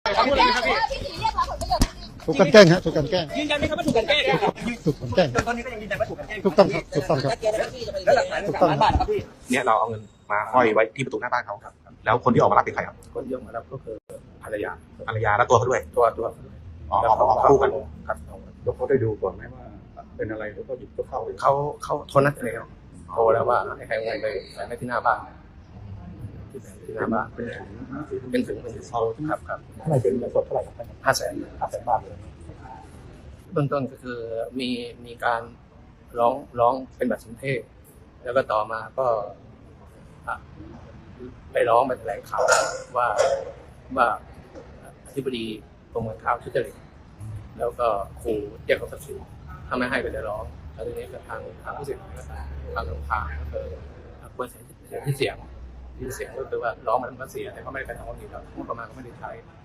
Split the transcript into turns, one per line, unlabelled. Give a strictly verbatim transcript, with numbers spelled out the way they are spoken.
ครับพูดเลยครับพี่
ถูกกันแกล้งฮะถูกกันแกล้ง
ยืนยันไหมครับว่าถูกกันแกล้งครับ
ถูกกันแกล้ง
ตอนนี้ก็ยังยืนยันว่าถูกกันแกล้ง
ถูกต้องครับถูกต้องครับ
แล้วหลักฐานสามล้านบาทครับพี่
เนี่ยเราเอาเงินมาห้อยไว้ที่ประตูหน้าบ้านเขาครับแล้วคนที่ออกมารับเป็นใครครับ
คนที่ออกมารับก็คือภรรยา
ภรรยาและตัวเขาด้วย
ตัวตัว
อ๋อออกมาออกคู่กัน
ครับ
แล้วเขาได้ดูก่อนไหมว่าเป็นอะไรแล้วก็หยิบก็เข้า
เขาเขาโทรนัดเลยครับโทรแล้วว่าให้ใครเอาเงินไปใส่ไว้ที่หน้าบ้านที่แผงที่หน้าบ้าน
เป็นแผง
เป็นถึงเป็นถึงครับครับ
เท่าไหร่เป็นเงินสดเท่าไหร่ครับ
ห้าแสน
ห้าแสนบาทเลย
เบื้องต้นก็คือมีมีการร้องร้องเป็นบัตรสนเทศแล้วก็ต่อมาก็อ่ะไปร้องไปแถลงข่าวว่าว่าอธิบดีกรมการข้าวทุจริตแล้วก็ขู่เรียกเขาทรัพย์สินถ้าไม่ให้ไปจะร้องแล้วทีนี้ก็ทางทางผู้เสียหายก็ทางทางทางก็คือควรเสียที่เสียงที่เสียงก็คือว่าร้องมาแล้วมันก็เสียแต่ก็ไม่ได้กระทำความผิดหรอกงบประมาณก็ไม่ได้ใช้